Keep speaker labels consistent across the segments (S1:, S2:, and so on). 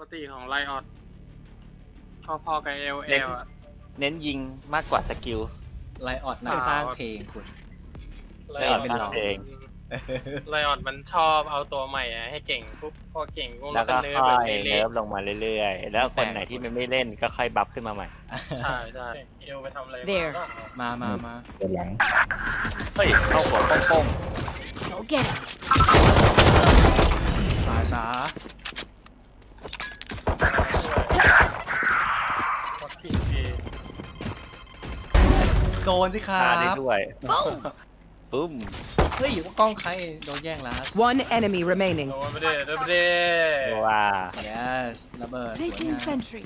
S1: ติของไลออดพอๆกับเอลอ่ะ
S2: เน้นยิงมากกว่าสกิล
S3: ไลออดนักสร้างเพลงคุณ
S1: ไล
S2: อ
S1: อ
S2: อ
S1: อ
S2: ด
S1: ด
S2: เป็นหลักเอง
S1: ไลออดมันชอบเอาตัวใหม่ให้เก่งปุ๊บพอเก่งปุ๊บ
S2: แล้
S1: แล้ว ว
S2: ก็
S1: ก็เนิร์ฟ
S2: ค่
S1: แบ
S2: อบ ย
S1: เละ
S2: เนิร์ฟลงมาเรื่อยๆ แล้วคนไหนที่มันไม่เล่นก็ค่อยบัฟขึ้นมาใหม่
S1: ๆใช่ใช่เอลไปทำอะไร
S4: There
S1: มา
S3: มา
S5: เดินหลัง
S2: เฮ้ย เข้าหัวโป้ง
S4: Go get him.
S3: สา
S1: วัคซีนเอ
S3: โดนสิค
S2: ๆ
S3: รั
S2: ทาได้
S3: บ
S2: ด้วยปุ้ม
S3: เฮ้ยว่ากล้องใครโดนแย่งลาส
S4: One enemy remaining.
S1: โดนไปเด้โดนไปเด้
S2: ว้า
S3: yes ระเบิดสวย
S4: Placing
S3: งาม
S4: sentry.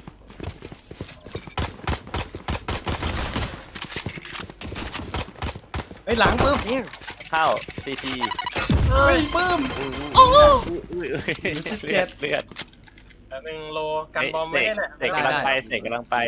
S3: เฮ้ยหลังปึ๊บ
S4: There.
S2: เข้าซีซี
S3: เฮ้ยปึ๊ม
S2: อุ้ย
S3: เจ็ด
S2: เลือด
S1: แล้วหนึ่งโลกันบอมไม่ได้แหละ
S2: เสกกำลังไปเสกกำลังไป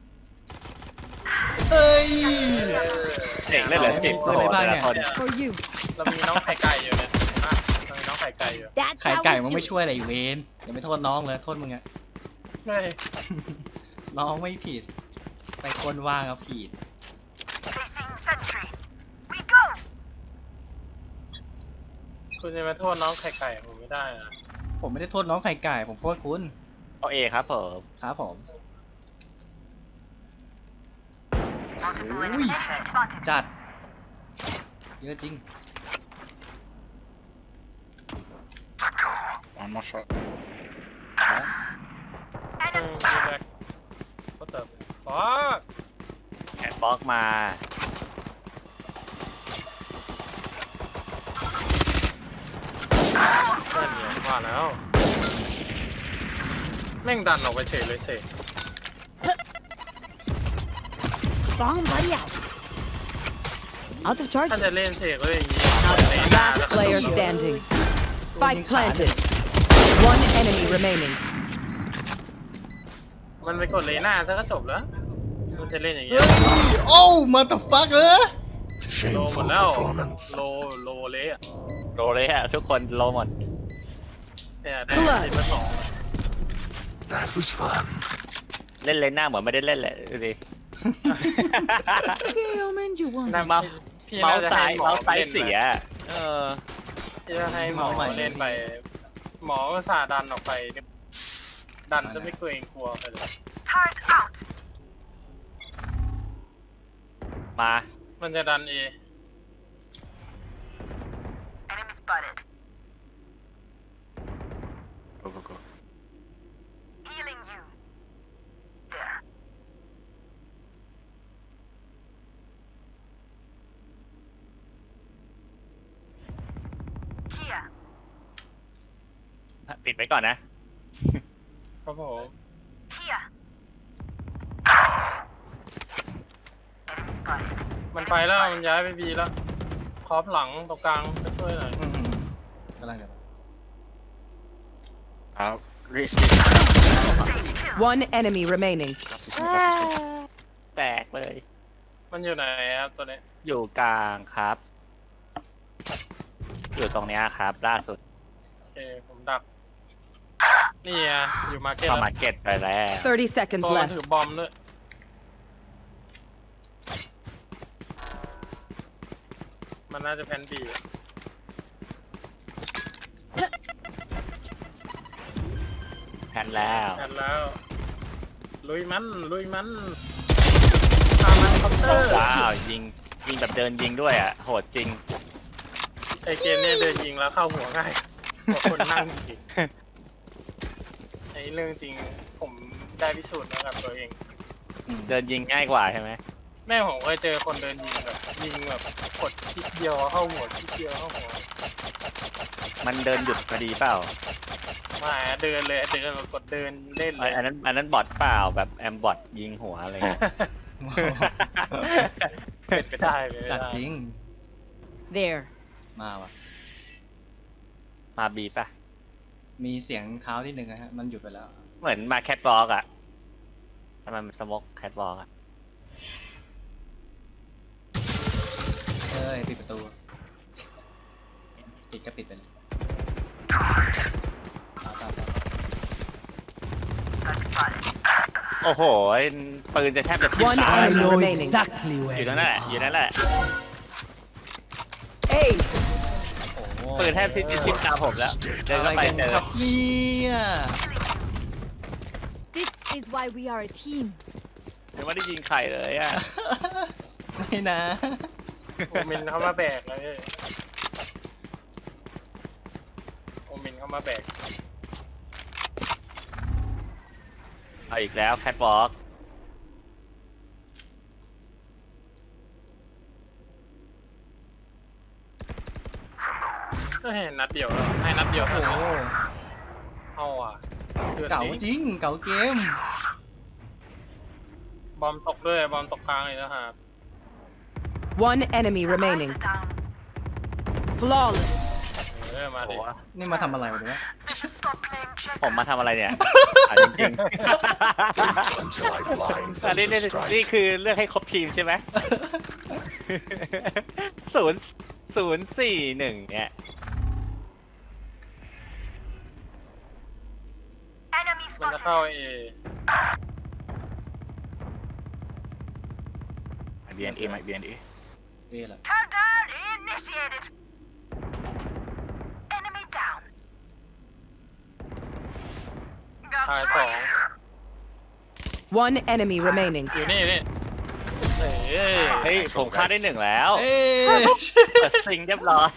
S3: เฮ้ย
S2: เสกเล่นเหลือ10
S3: เปิด
S2: โอ้
S3: ได้
S2: โห
S3: บ้าง
S2: แต่ละ
S3: เนี่ย
S2: คน
S4: For you.
S1: เรามีน้องไข่ไก่อยู่เนี่ยอ่ะเรามีน้องไข่ไก่อยู่
S4: That's
S3: ไข่
S4: how
S3: ไก่
S4: we
S3: มึง
S4: do
S3: ไม่
S4: it.
S3: ช่วยอะไรอยู่เวนอย่าไปโทษน้องเลยโทษมึงอะ
S1: เฮ้ย
S3: น้องไม่ผิดแต่คนว่างอะผิด
S1: คุณจะมาโทษน้องไข่ไก่ผมไม่ได้นะ
S3: ผมไม่ได้โทษน้องไข่ไก่ผมโทษคุณ
S2: เอาเอครับผม
S3: ครับผมอุ้ยจัดเยอะจริง
S5: one more shot
S1: มีแบ็ค what the fuck
S2: แขนบล็อกมา
S1: นั่นเนี่ยว่าแล้ว แม่งดันออกไปเฉยเลยเสก
S4: Bomb buddy out. Out of
S1: ถ้า
S4: charges.
S1: จะเล่นเสกเลยอย่างนี้
S4: Last player standing. Spike planted. One enemy remaining.
S1: มันไปกดเลน่าซะก็จบแล้วมันจะเล่นอย่างนี้
S3: เฮ้ยโอ้มาแต่ฟักเออ
S1: โลหมด
S5: shameful
S1: แล้ว
S5: performance
S1: โลเละอะ
S2: โรเลยฮะทุกคนโรหมด
S1: เนี่ยได้ทีมละสอง
S5: that was fun
S2: เล่นเลยหน้าเหมือนไม่ได้เล่นแหละดูดิ
S1: น่า
S2: เมา
S1: พี่
S2: เมา
S1: น่า
S2: ส์
S1: จะ
S2: ซ้า
S1: ให้
S2: ย
S1: หมอ
S2: เมาส์ซ้าย
S1: เล่น
S2: เสีย เออ
S1: พี่จะให้หมอเล่นไป หมอก็สาดันออกไป ดันจะไม่เกรงกลัวไปเลย
S2: มา
S1: มันจะดันเอ
S5: go go go
S2: ปิดไว้ก่อนนะ
S1: ครับผม มันไปแล้ว มันย้ายไปบีแล้ว ครอปหลังตรงกลางไปช่วยหน่อย
S3: กำลังจะ
S5: out race
S4: One enemy remaining.
S2: แตกเลย
S1: มันอยู่ไหนครับตัวนี้
S2: อยู่กลางครับ อยู่ตรงเนี้ยครับ ล่าสุด
S1: โอเค ผมดัก นี่อ่ะอยู่มาร์เก็ต
S2: เข้า
S1: แล้ว
S2: มาเก็ตไปแล้ว
S4: 30 seconds
S1: ตัวมัน
S4: left.
S1: ถือบอมด้วย มันน่าจะแพนบี
S2: แพนแล้ว
S1: กันแล้ว ลุยมันตามมันคอปเตอร์
S2: ว้าว ยิงแบบเดินยิงด้วยอ่ะ โหดจริง
S1: ไอเกมเนี้ยเดินยิงแล้วเข้าหัวง่ายกว่าคนนั่งจริงไอเรื่องจริงผมได้พิสูจน์มากับตัวเอง
S2: เดินยิงง่ายกว่าใช่ไหม
S1: แม่ผมเคยเจอคนเดินยิงแบบกดคลิกเดียวเข้าหัวคลิกเดียวเข้าหัว
S2: มันเดินหยุดพอดีเปล่า
S1: มาเดินเลยเดินแบบกดเดินเล่นเลย
S2: อันนั้นบอทเปล่าแบบแอมบอทยิงหัวอะไรเงี้ย
S1: เป็นไปได้เลย
S3: จัดจริง
S4: There.
S3: มาว่ะ
S2: มาบีป่ะ
S3: มีเสียงเท้าที่หนึ่งนะฮะ มันหยุดไปแล้ว
S2: เหมือนมาแคทวอล์กอ่ะทำไมมันสโมกแคทวอล์กอ่ะ
S3: เอ้ยปิดประตู ปิดก็ปิดไปเลยตาม
S2: โอ้โหปืนจะแทบจะทิ่ม
S4: One
S2: ตา
S4: enemy remaining.
S2: อยู่นั่นแหละอยู่นั่นแหละ
S4: Ace.
S3: โอ้โห
S2: ปืนแทบที่จะทิ่มตาผมแล้วเดิน
S3: อะไร
S2: เข้าไป
S3: กัน
S2: เจอ
S3: ครับเนี่ย
S6: This is why we are a team.
S2: ยังไม่ได้ยิงใครเลยอ่ะ
S3: ไม่นะ
S1: โอมินเข้ามาแบกเลยโอมินเข้ามาแบก
S2: เอาอีกแล้วแคทวอล์ก
S1: ก็เห็นนัดเดียวแล้วให้นัดเดียว
S3: โอ้
S1: เท่า
S3: โห
S1: นั้นเอาอ่ะดือด
S3: เก่าจริง เก่าเกม
S1: บอมตกด้วยบอมตกกลางเลยนะครับ
S4: One enemy remaining. Flawless.
S1: มา
S2: โอ้
S1: ดิ
S2: โห
S3: นี่มาทำอะไรวะเนี่ย
S2: ผมมาทำอะไรเนี่ยอ่ะจริง
S5: Until I blind
S2: ๆอัน
S5: them
S2: นี้
S5: to
S2: นี่
S5: strike.
S2: คือเลือกให้ครบทีมใช่ไหม 0-0-4-1เนี่ย
S1: มันจะเข้าเอ
S5: Might be an A, might be an A.
S3: เอะแหละ
S7: Countdown initiated. Enemy down.
S1: ทาย
S7: Got
S1: สอง
S7: sight.
S4: One enemy remaining.
S1: อยู่นี่นี่เฮ้ย
S2: เฮ้ยผมฆ่าได้1แล้ว
S3: เอ้ย
S2: เปิดซิงเรียบร้อย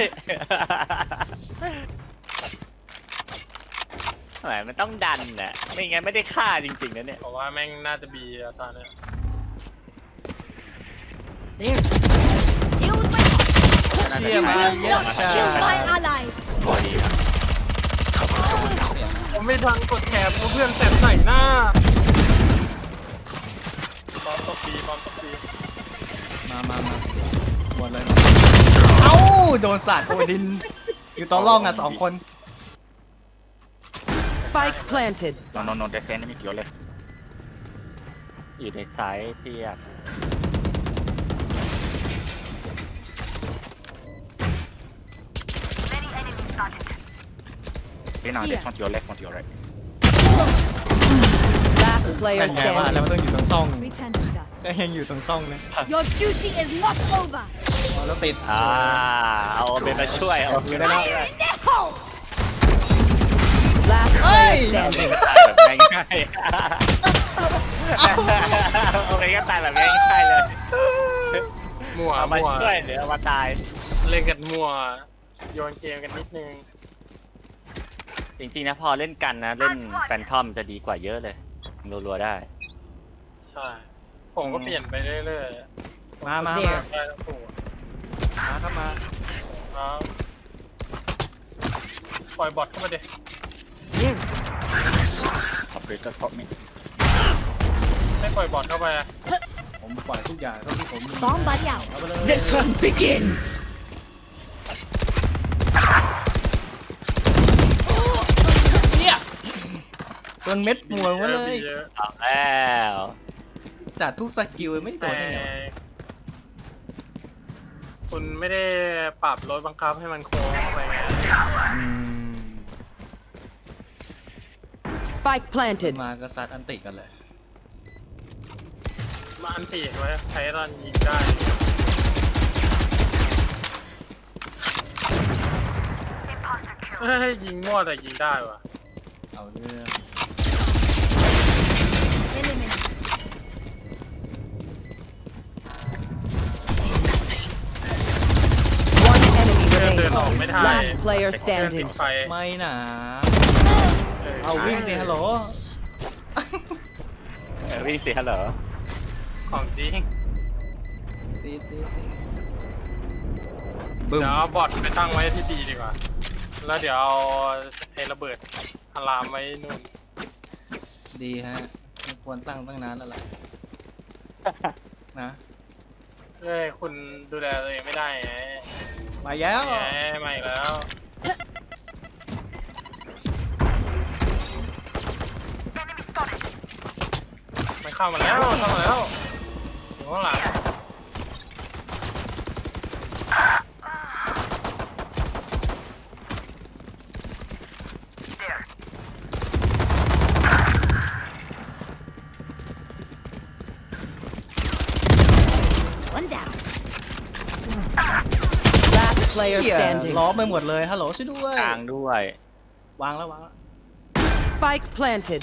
S2: ทำไมมันต้องดันน่ะไม่งั้นไม่ได้ฆ่าจริงๆนะเนี่ย
S1: บอกว่าแม่งน่าจะบีอะตอนเนี้ย
S6: There. Deal with my
S3: เชี่ยมาเยอะจ้า
S6: kill my allies.
S5: Bloody hell. Cover going out.
S1: ผมไม่ทันกดแคปเพื่อนเสร็จใส่หน้าบอมตกบีบอมตกบี
S3: มาหมดเลย เอ้า โดนสาดโอดิน อยู่ต่อร่องอ่ะ2 คน
S4: Spike planted.
S5: No, there's enemy to your left.
S2: อยู่ในไซส์เทียบ
S7: Many enemies spotted.
S5: Okay, now there's one to your left, one to your right.
S4: Last player
S3: เป็นไงว่าแล้ว
S4: standing.
S3: มันต้องอยู่ตรงซ่อง
S6: Return to dust.
S3: ก็ยังอยู่ตรงซ่องนะ
S6: Your duty is not over.
S3: อ๋อแล้วติด
S2: เอาเบนมาช่วยเอาเบนมาช่วย
S6: No!
S4: Last
S3: Hey!
S4: player
S2: เอาเบน
S4: standing.
S2: ก็ตายแบบง่ายๆเอาเบนก็ตายแบบง่ายๆเลย
S1: มั่ว
S2: เอามา
S1: มั่ว
S2: ช่วยหรือเอามาตาย
S1: เล่นกันมั่วโยนเกมกันนิดนึง
S2: จริงๆนะพอเล่นกันนะ เล่นแฟนทอมจะดีกว่าเยอะเลยรัวๆได้
S1: ใช่ผมก็เปลี่ยนไปเรื่อยๆ
S3: มา
S4: There
S1: ได้ทั้งตัว
S3: ครับมา
S1: ครับปล่อยบอทเข้ามาดิ
S4: There.
S5: Operator pop me.
S1: ให้ปล่อยบอทเข้าไปอะ
S3: ผมปล่อยทุกอย่างเท่าที่ผมมี
S6: Bomb buddy out.
S3: เอาไปเลย
S4: The hunt begins.
S3: เชี่ยโดนเม็ดหัวมาเลย
S1: เยอะ
S2: เอาแล้ว
S3: จัดทุกสกิลไม่โด
S1: แต่
S3: นได้ไงวะ
S1: คุณไม่ได้ปรับรถบังคับให้มันโค้งเข้าไปไง
S4: Spike planted.
S3: มาก็ซัดอันติกันเลย
S1: มาอันตีไว้ใช้ตอนยิงได้
S7: Imposter kill.
S1: เฮ้ยยิงมั่วแต่ยิงได้ว่ะ
S3: เอาเรื่อง
S6: Eliminate.
S4: One enemy
S1: เพื่อนเดิน
S4: remaining.
S1: ออกไม่ทัน
S4: Last player
S1: เพื่อนติ
S4: standing.
S1: ดไฟ
S3: ไม่หนา
S1: เออ
S3: เอาวิ่งสิฮัลโหล
S2: วิ่งสิฮัลโหล
S1: ของจริง
S3: ตีบึ้ม
S1: เดี๋ยวเอาบอทไปตั้งไว้ที่ดีดีกว่า แล้วเดี๋ยวเอาไอ้ระเบิดอะลามไว้นู่น
S3: ดีฮะไม่ควรตั้งตั้งนานแล้วล่ะนะ
S1: เอ้ยคุณดูแลตัวเองไม่ได้ไง
S3: มาแล้ว
S1: แหมมาอีกแล้ว
S7: Enemy spotted.
S1: มันเข้ามาแล้วเข้ามาแล้วอยู่ข้างหลัง
S7: There.
S4: player
S3: เหี้ย
S4: standing.
S3: ล้อมไปหมดเลยฮัลโหลช่วยด้วย
S2: กลางด้วย
S3: วางแล้ว
S4: Spike planted.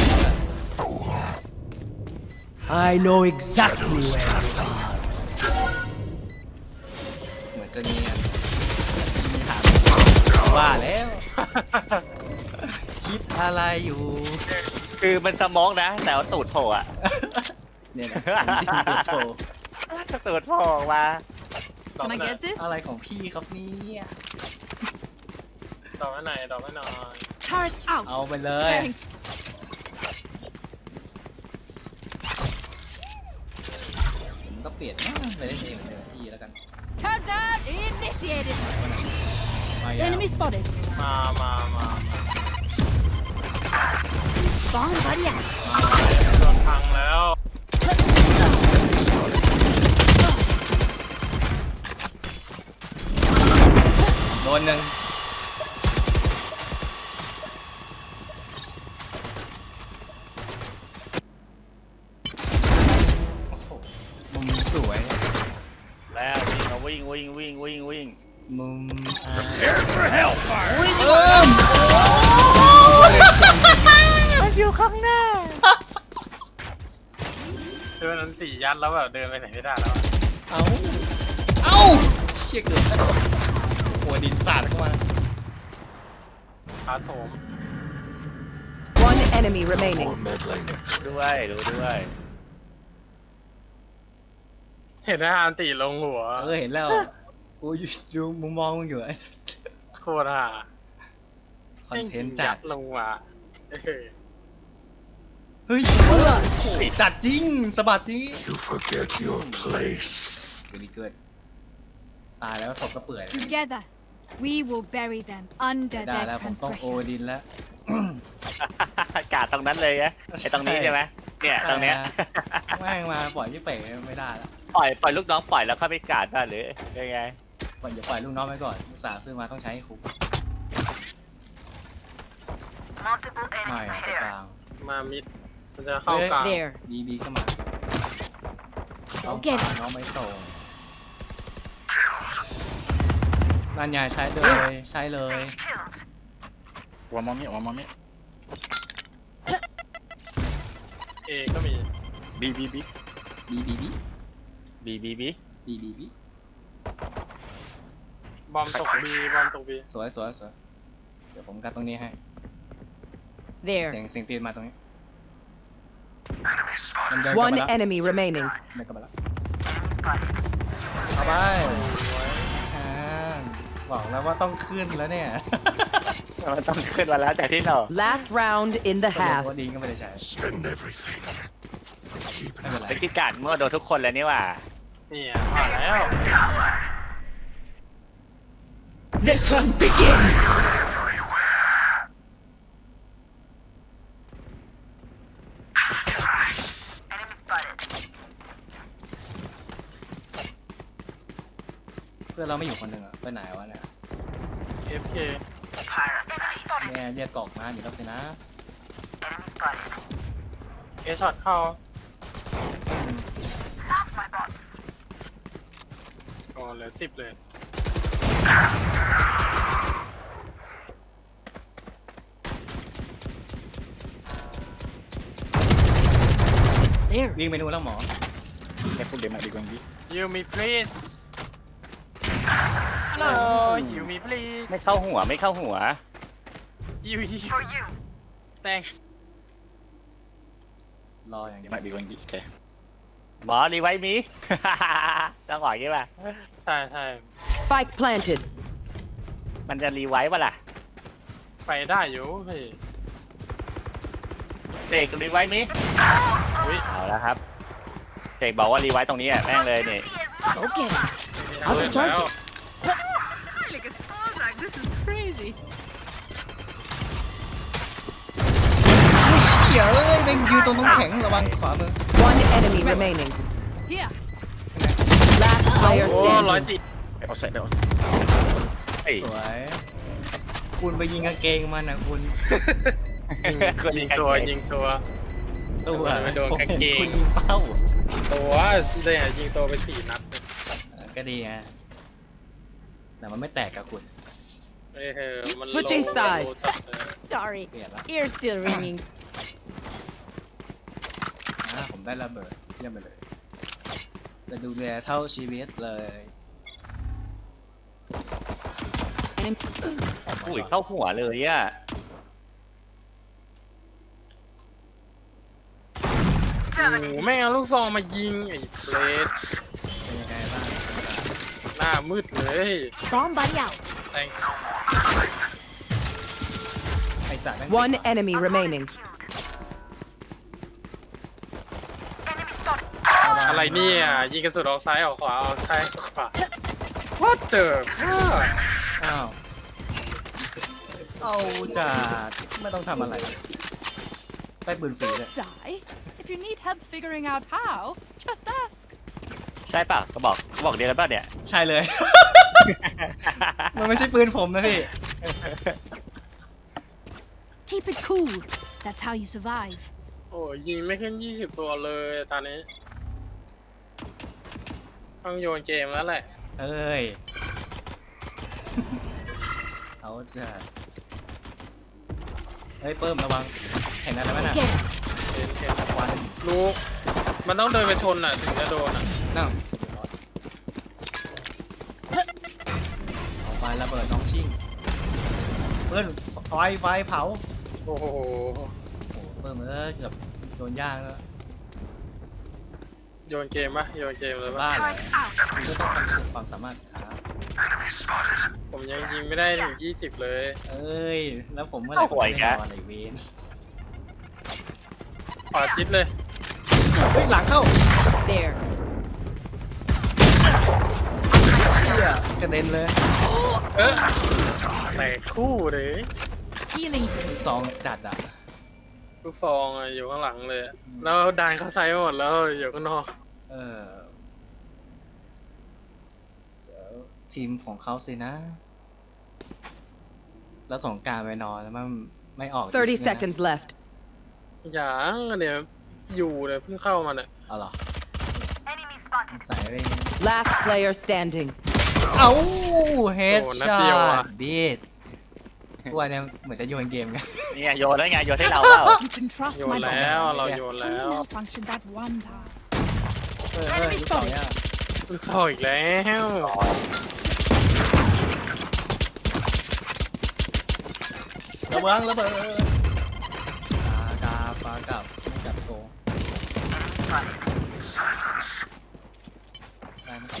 S4: I know exactly where you are.
S3: เหมือนจะเนียนมีถามว่าแล้ว คิดอะไรอยู่
S2: คือมันสมองนะ แต่ว่าตูดโผล่อะ
S3: เนี่ยนะจริงๆโถ
S2: ตูดโผล่ออกมา
S1: ดอก
S6: Can I
S1: ไม้หน่อย
S6: get this?
S3: อะไรของพี่ครับเนี่ย
S1: ดอกไม้หน่อยดอกไม้หน่อย
S6: Turret out.
S3: เอาไปเลย
S6: Thanks.
S3: ผมก็เปลี่ยนไปเล่นเองเลยพี่แล้วกัน
S6: Countdown initiated.
S3: มาอย่าง
S6: Enemy spotted.
S1: มา
S6: Bomb buddy out.
S1: โดนพังแล้ว
S3: โดนหนึ่งโอ้โหมุมสวย
S2: แล้ววิ่งวิ่ง
S3: มุม
S2: มันอยู่ข้างหน้า
S1: เดินนั้นสี่ยัดแล้วแบบเดินไปไหนไม่ได้แล้วอะ
S3: เอ้าเชี่ยเกิดแล้วหัวดินสาดเข้ามา
S1: ขาโถม
S4: One enemy remaining.
S2: ด้วยดูด้วย
S1: เห็นอาหารตีลงหัว
S3: เห็นแล้วกูอยู่มุมมองมึงอยู่ไอ้สัส
S1: โคตรห่า
S3: คอนเทนต์จัด
S1: ลงมาเออ
S3: เฮ้ยจัดจริงสะบัดจริง
S8: You forget your place.
S3: เกิดตายแล้วศพก็เปื่อย
S6: Together, we will bury them under
S3: ได้
S6: their
S3: แล้วผมต้องโอ
S6: transgression.
S3: ดินแล้ว
S2: กาดตรงนั้นเลยนะไอตรงนี้ใช่ไหมเนี่ยตรงเนี้ย
S3: แม่งมาปล่อยพี่เป๋ไม่ได้แล้ว
S2: ปล่อยลูกน้องปล่อยแล้วเข้าไปกาดได้หรือยังไง
S3: ปล่อยอย่าปล่อยลูกน้องไปก่อนอุตส่าห์ซื้อมาต้องใช้ให้คุ้ม
S7: Multiple
S3: ไม่
S7: enemies
S3: อะตัว
S7: here.
S3: กลาง
S1: มามิด มันจะเข้ากลาง
S4: There.
S3: บีเข้ามาน้อง
S6: เก็บ
S3: ฝากน้องไม่ส่งนั่นไงใช้เลยใช้เลย
S7: Sage killed.
S5: One more mid, one more mid.
S1: เอก็มี
S5: B, B, B.
S3: บีบีบี
S2: บี
S1: บอมตกบีบอมตกบี
S3: สวยเดี๋ยวผมกันตรงนี้ให้
S4: There.
S3: เสียงตีนมาตรงนี้
S8: Enemy spotted.
S3: มันเดินกลับ
S4: One
S3: มาแล้ว
S4: enemy remaining.
S3: เดินกลับมาแล้ว
S7: Enemy spotted.
S3: เอาไปอ่าบอกแล้วว่าต้องขึ้นแล้วเนี่ย
S2: มันต้องขึ้นมาแล้วจากที่เรา
S4: Last round in the
S3: ก็
S4: half.
S3: ดีก็ไม่ได้ใช้
S8: Spend everything. Keep
S3: ไม่เป็นไร
S2: เป็นที่กาดเมื่อโดนทุกคนแล้วนี่หว่า
S1: นี่อ่ะผ่านแล้ว
S4: The hunt begins.
S7: Enemy spotted.
S3: เพื่อนเราไม่อยู่คนหนึ่งอะไปไหนวะเนี่ย
S1: FK
S7: Enemy spotted.
S3: เนี่ยเรียกกล่องมาอยู่แล้วสินะ
S7: Enemy spotted.
S1: เอช็อตเข้า
S7: Sounds my bot.
S1: โอ้เหลือ10เลย
S4: There.
S3: วิ่งไปนู่นแล้วหมอ
S5: Careful, they might be going B.
S1: You me please Hello You me please
S2: ไม่เข้าหัว
S1: You
S7: For you.
S1: Thanks
S3: รออย่างเดี
S5: They
S3: ยว
S5: might be going B. Okay.
S2: หมอรีไว้มี จังหวะนี้ป่ะ
S1: ใช่
S4: Spike planted.
S2: มันจะรีไว้ป่ะล่ะ
S1: ไปได้อยู่เฮ้ย
S2: เสกรีไว้มี
S1: อุ้ย
S2: เอาแล้วครับเสกบอกว่ารีไว้ตรงนี้อ่ะแม่งเลยนี่
S6: Go get it.
S1: เอาไปแล้ว
S6: Like a song like this is crazy.
S3: เชี่ยเอ้ยเบ่งยืนตรงน้ำแข็งระวังขวามือ
S4: One enemy remaining.
S6: Here.
S4: Last player
S1: โอ้
S4: standing.
S1: 110
S5: Outside, that was.
S2: เฮ้ย
S3: สวย คุณไปยิงกางเกงมันนะคุณ
S2: คน
S1: ยิ
S2: ยิ
S1: ง
S2: ง
S1: ตัว
S2: ตัว
S1: ยิงตัว
S3: ตัว
S1: ไปโดนกางเกง
S3: คุณยิงเป้า
S1: ตัวเนี่ยยิงตัวไป4 นัด
S3: ก็ดีไงแต่มันไม่แตกกับคุณ
S1: เอ้ยมัน
S4: Switching sides.
S1: จัดเลย
S4: Sorry,
S3: เปลี่ยนละ
S4: ear's still ringing.
S3: ผมได้ระเบิดเยี่ยมไปเลยจะดูแลเท่าชีวิตเลย
S2: อุ้ยเข้าหัวเลยอ่ะ
S1: โอ้โหแม่งเอาลูกซองมายิงไอ้เบลด
S3: เป็นยังไงบ้าง
S1: หน้ามืดเลย
S6: Bomb buddy out.
S1: แต่
S3: ไอสัตว์แม่ง
S4: One enemy remaining.
S7: Enemy spotted.
S1: อะไรเนี่ยยิงกระสุนออกซ้ายออกขวาออกซ้ายออกขวา What the fuck
S3: อ้าวเอาจัดไม่ต้องทำอะไรได้ปืนฟรีเลย
S6: Die. If you need help figuring out how, just ask.
S2: ใช่ป่ะก็บอกเดียวกันป่ะเนี่ย
S3: ใช่เลย มันไม่ใช่ปืนผมนะพี่
S6: Keep it cool. That's how you survive.
S1: โอ้ยยิงไม่ขึ้น20 ตัวเลยตอนนี้ต้องโยนเกมแล้วแหละ
S3: เอ้ย เอาจัดเฮ้ยเพิ่มระวังเห็นอะไรไหมน่ะ
S6: Get
S1: เห็น
S3: ควัน
S1: รู้มันต้องเดินไปชนอ่ะถึงจะโดนอ่ะ
S3: นั่งเอาไประเบิดน้องชิงเพิ่มไฟเผา
S1: โอ้โห
S3: โอ้เพิ่มเกือบโดนย่างแล้ว
S1: โยนเกมปะโยนเกมเลยปะ
S3: บ้าเลยคุณก็ต้องทำสุดความสามารถครับ
S8: Enemy spotted.
S1: ผมยังยิงไม่ได้ถึง20 เลย
S3: เอ้ย แล้วผมเมื่อไหร่ผมจะได้นอนอะไรเวน
S1: ขวาจิตเลย
S3: เฮ้ยหลังเข้า
S4: There.
S3: เชี่ยกระเด็นเลย
S1: แตกคู่เลย
S6: healing.
S3: ซองจัดอ่ะ
S1: ลูกซองอะอยู่ข้างหลังเลยอะแล้วดันเข้าไซด์หมดแล้วอยู่ข้างนอก
S3: เออเดี๋ยวทีมของเขาสินะ แล้วสงกรารไปนอนแล้วมันไม่ออก
S4: 30 seconds left.
S1: อย่างเนี่ยอยู่เนี่ยเพิ่งเข้ามาเนี่ย
S3: เอาเหรอ
S7: Enemy spotted.
S3: ใส่ไป
S4: Last player standing.
S3: เอ้าเฮด
S1: โอ้นัด
S3: ช็อ
S1: เดียว
S3: ต
S1: อะ
S3: บีดพวกเนี่ยเหมือนจะโยนเกมกัน
S2: เนี่ยโยนแล้วไงโยนให้เราเปล่า
S6: You can trust
S1: โย
S6: my
S1: นแล้ว
S6: boss.
S1: เราโยนแล้ว
S6: Only malfunctioned that one time.
S3: ลูกสองเนี่ย
S1: ลูกซองอีกแล้ว
S3: ระเบิดระเบิดกาปลากลับไม่กลับโกได้ไหม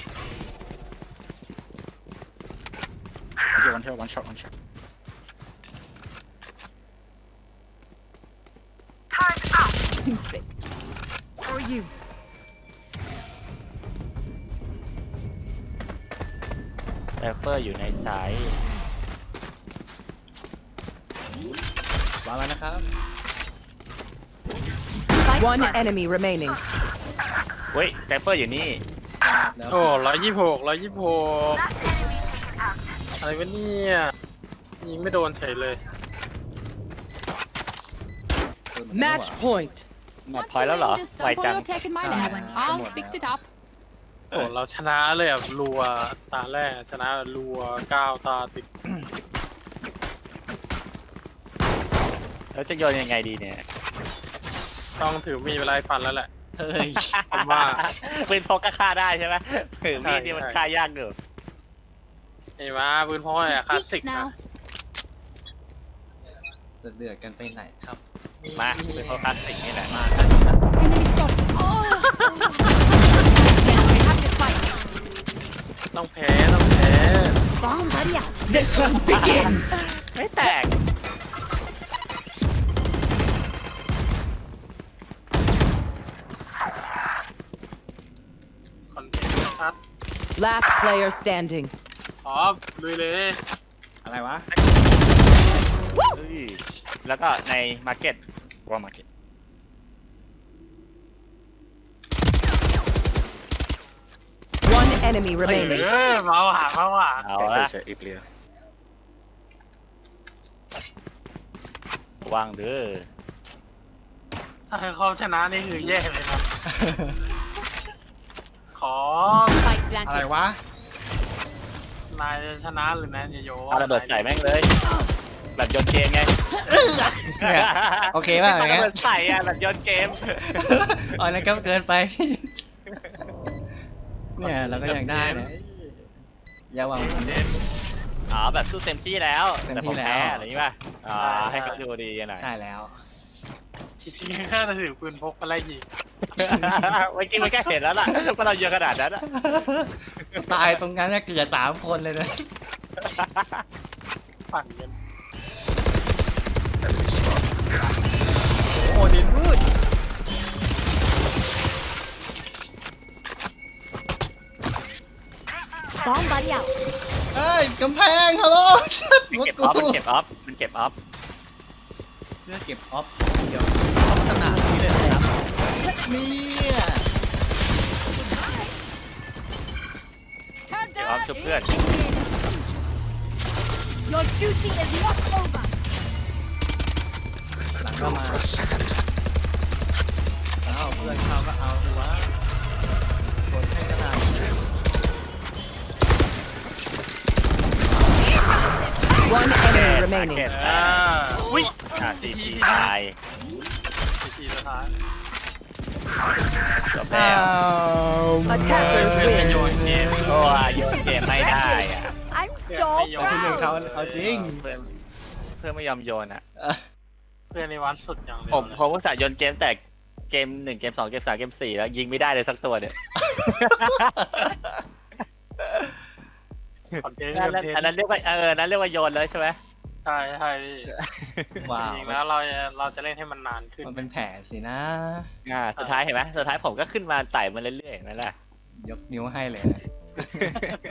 S5: Okay, one here, one shot, one shot.
S7: Turret out.
S6: Or you.
S2: แรปเปอร์อยู่ในสาย
S3: วางแล้วนะครับ
S4: One enemy remaining.
S2: เฮ้ยแรปเปอร์อยู่นี่
S3: แล้ว
S1: โอ้126
S7: Last enemy taken out.
S1: อะไรวะเนี่ยยิงไม่โดนเฉยเลย
S4: Match point.
S2: หมดพอยแล้วเหรอ
S6: just
S2: ไว
S6: stumble
S2: จัง
S6: your take in my
S3: Sorry.
S6: nap. I'll
S3: Come on
S6: fix
S3: now.
S6: it up.
S1: โอ้เราชนะเลยแบบรัวตาแรกชนะแบบรัว9 ตาติด
S2: แล้วจะโยนยังไงดีเนี่ย
S1: ต้องถือมีเวลาฟันแล้วแหละ
S3: เฮ้ย
S1: ผมว่า
S2: ปืนพกก็ฆ่าได้ใช่ไหมถือมีดนี่มัน
S1: ใช่
S2: ฆ่ายากอยู่
S1: เห็นไหมปืนพ่อยอะคลาสสิก
S6: Peace
S1: นะ
S6: now.
S3: จะเดือดกันไปไหนครับ
S2: มาปืนพกคลาสสิกนี่แหละ
S3: มากันนะ
S6: Enemy spotted. Oh. I have to fight.
S1: ต้องแพ้ต้องแพ้
S6: Bomb buddy out.
S4: The hunt begins.
S2: ไม่แตก
S1: คอนเทนต์ชัด
S4: Last player standing.
S1: อ๋อลุยเลย
S3: อะไรวะ
S2: เฮ้ยแล้วก็ในมาร์เก็ต
S5: One market.
S4: One enemy
S1: เอ
S4: remaining.
S1: อเมาหา
S2: เอา
S5: Okay,
S2: ละ
S5: so it's a A player.
S2: วางเด้อ
S1: ถ้าเขาชนะนี่คือแย่เลยนะ ขอ
S6: Fight
S3: อะไร
S6: planted.
S3: วะ
S1: รนายจะชนะหรือนายจะโย
S2: เอาระเบิดใส่แม่งเลย แบบโยนเกมไง
S3: เนี่ยโอเคป่ะอย่าง
S2: ระ
S3: เงี้ย
S2: เบิดใส่อะแบบโยนเกม
S3: อ๋อนั่นก็เกินไป เนี่ยเราก็ยังได้นะอย่าหวังผล
S2: อ๋อแบบสู้เต็มที่แล้ว
S3: เต็ม
S2: แต่
S3: ที่
S2: ผม
S3: แล้ว
S2: แพ้อะไรอย่างงี้ป่ะอ๋อให้เขาดูดีหน่อย
S3: ใช่แล้ว
S1: จริงๆแค่ถือปืนพกมาไล่ยิง
S2: เมื่อกี้มันแค่เห็นแล้วล่ะว่าเราเยอะขนาดนั้นอะ
S3: ตายตรงนั้นเนี่ยเกือบ3 คนเลยนะ
S1: ปั่นกัน
S3: โอ้ดินพูด
S7: Bomb buddy out.
S3: เฮ้ยกำแพงฮัลโหล
S2: มันเก็บออฟ มันเก็บออฟ มันเก็บออฟ
S3: เพื่อเก็บออฟเดี๋ยวออฟขนาดนี้เลยนะครับเนี่ย
S2: เก็บออฟชุบเพื่อน
S7: Your duty is not over.
S3: หลังก็
S8: Go
S3: มา
S8: for a second.
S3: เอาเพื่อนเขาก็เอาดูวะกดให้ขนาดนี้
S4: One enemy remaining.
S2: เก็บ
S1: อ่าอุ้ย
S2: ซีทีตาย
S1: ทีสุดท้าย
S2: จบแล้ว
S4: Attackers
S1: เพื่อนไปโย
S4: win.
S1: นเกม
S2: โอ้ยโยนเกมไม่ได้อะ
S7: I'm
S1: เพื่อน
S7: so
S1: ไม่โยน
S3: ที่หนึ่ง
S7: proud.
S3: เขาเอาจริง
S2: เพื่อนเพื่อนไม่ยอมโยนอ่ะ
S1: เพื่อนในวัดสุดอย่างเดียว
S2: ผม
S1: เลย
S2: ผมอุตส่าห์โยนเกมแต่เกม1 เกม 2 เกม 3 เกม 4 แล้วยิงไม่ได้เลยสักตัวเนี่ย
S1: คอนเทนต์
S2: อันนั้น
S1: คอนเทน
S2: อันนั้น
S1: ต์
S2: เรียกว่านั้นเรียกว่าโยนเลยใช่ไหม
S1: ใช่ใช่พี่
S3: ว้าว
S1: จริงๆแล้วเราจะเล่นให้มันนานขึ้น
S3: มันเป็นแผนสินะ
S2: สุดท้ายเห็นไหมสุดท้ายผมก็ขึ้นมาไต่มาเรื่อยๆอย่างนั้นแหละ
S3: ยกนิ้วให้เลยนะ